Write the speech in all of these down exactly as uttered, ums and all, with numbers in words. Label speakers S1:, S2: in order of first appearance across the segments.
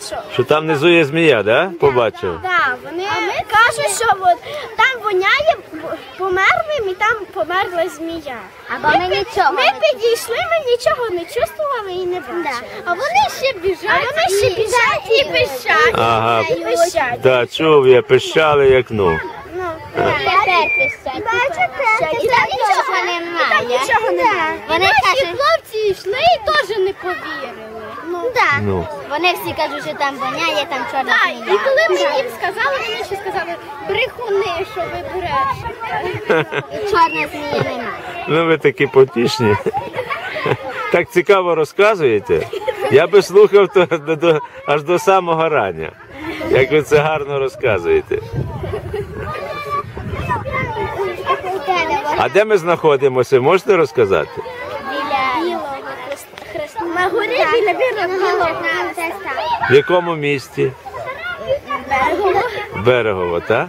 S1: Що?
S2: Що там внизу є змія, да? Побачив?
S1: Так, вони кажуть, що от, там воняє померлим і там померла змія.
S3: Або ми нічого
S1: Ми
S3: не
S1: підійшли, ми нічого не чувствували і не бачили.
S3: А вони ще біжать,
S1: А вони ще біжать і пищать.
S2: Ага.
S1: І пищать.
S2: Так, чув я, пищали як ну.
S1: Ну,
S3: тепер пищать. І там нічого немає.
S1: нічого немає.
S3: Вони кажуть,
S1: хлопці йшли і теж не повірили.
S3: ну так.
S2: Ну.
S3: Вони всі кажуть, що там воняє, там чорна
S1: Так,
S3: змія.
S1: і коли ми їм сказали, вони ще сказали, брехуни, що ви брешете.
S3: І чорна змія немає.
S2: Ну ви такі потішні. Так цікаво розказуєте. Я би слухав то до, до, аж до самого рання. Як ви це гарно розказуєте. А де ми знаходимося, можете розказати?
S3: Біля білого хреста.
S1: На горі біля білого.
S2: В якому місті?
S1: Берегово.
S2: Берегово, так?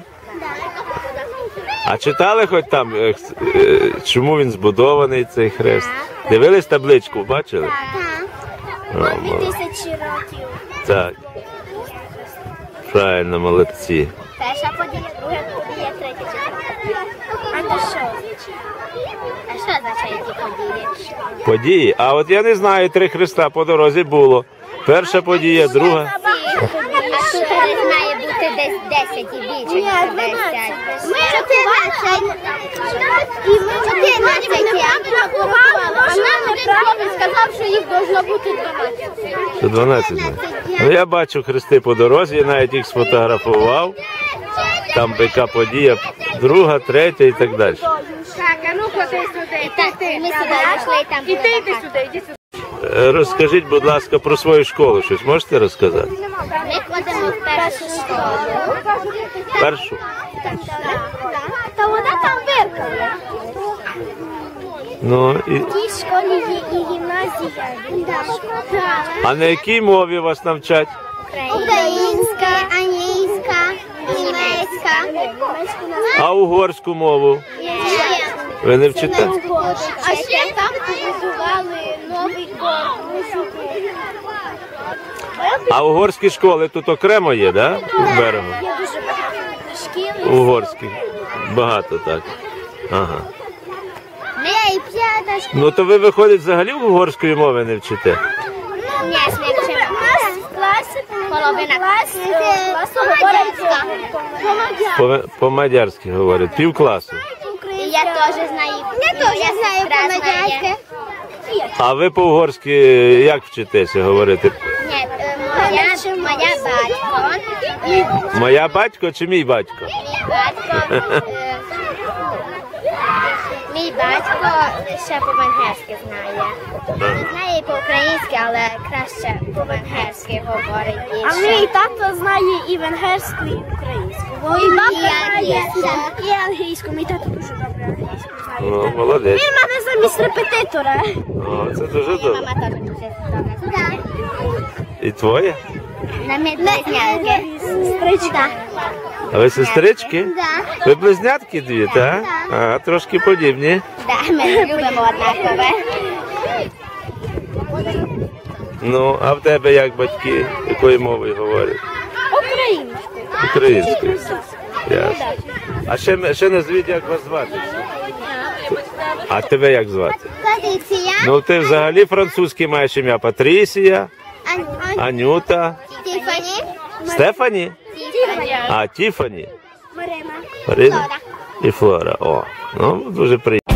S2: А читали хоч там, е, е, чому він збудований, цей хрест? Дивились табличку, бачили? О,
S1: Дві
S2: молодці.
S1: тисячі років.
S2: Так. Правильно, молодці.
S3: Перша подія, друга подія, третя, четверта.
S1: А то що?
S3: А що означає ті події?
S2: Події. А от я не знаю, три хреста по дорозі було. Перша подія, друга.
S3: А тут десь має бути десь десять і більше, ніж десять.
S1: Ми чотирнадцять. І ми чотирнадцять. А нам неправильно сказав, що їх должно бути дванадцять.
S2: Це дванадцять. Ну я бачу хрести по дорозі, я навіть їх сфотографував. Там яка подія, друга, третя і так далі.
S1: Так, а ну ходи сюди.
S3: Так, ми сюди пішли і там
S1: І
S3: було
S1: ти йди
S3: багато.
S1: сюди, йди сюди.
S2: Е, Розкажіть, будь ласка, про свою школу щось можете розказати?
S3: Ми ходимо в першу школу.
S2: Першу?
S1: Та вона там виркала.
S2: Ну, і...
S1: В тій школі є і гімназія.
S2: А на якій мові вас навчать?
S3: Українська, англійська, німецька.
S2: А угорську мову? Ви не вчите?
S1: А ще там побудували новий корпус.
S2: А угорські школи тут окремо є, да? В берегу?
S1: Є дуже багато шкіл.
S2: Угорські. Багато так. Ага.
S3: Ми і п'ята школа.
S2: Ну то ви, виходить, взагалі угорської мови не вчите?
S3: Ні, ми вчимо.
S1: В класі
S3: Половина
S1: класу класу
S3: Помадярська.
S2: По- По-мадярськи говорять. Пів класу.
S3: І я теж знаю. Я теж знаю помадярське.
S2: А ви по-угорськи як вчитеся говорити?
S3: Ні, е, моя, моя батько. і
S2: Моя батько чи мій батько?
S3: Мій батько. е, Мій батько ще по-венгерськи знає. Він знає і по-українськи, але краще по-венгерськи говорить більше.
S1: А мій тато знає і венгерську, і українську. Мій бабка знає і англійську. Мій тато дуже добре англійську знає.
S2: Ну, молодець.
S1: Він мене замість репетитора.
S2: О, це дуже добре.
S3: Мама теж дуже добре знає.
S2: І твоє?
S3: На медблизнятки.
S1: Сестричка.
S2: А ви сестрички?
S3: Да.
S2: Ви близнятки дві, так? А, трошки подібні.
S3: Да, ми любимо однакове.
S2: Ну, а в тебе як батьки? Якою мовою говорять?
S1: Українською.
S2: Українською. Ясно. А ще, ще назвіть, як вас звати. А тебе як звати?
S3: Патриція.
S2: Ну, ти взагалі французький маєш ім'я. Патрісія, Анюта,
S3: Тіфані.
S2: Стефані?
S3: Тіфані.
S2: А, Тіфані.
S1: Марина.
S2: Марина і Флора. О, ну, дуже приємно.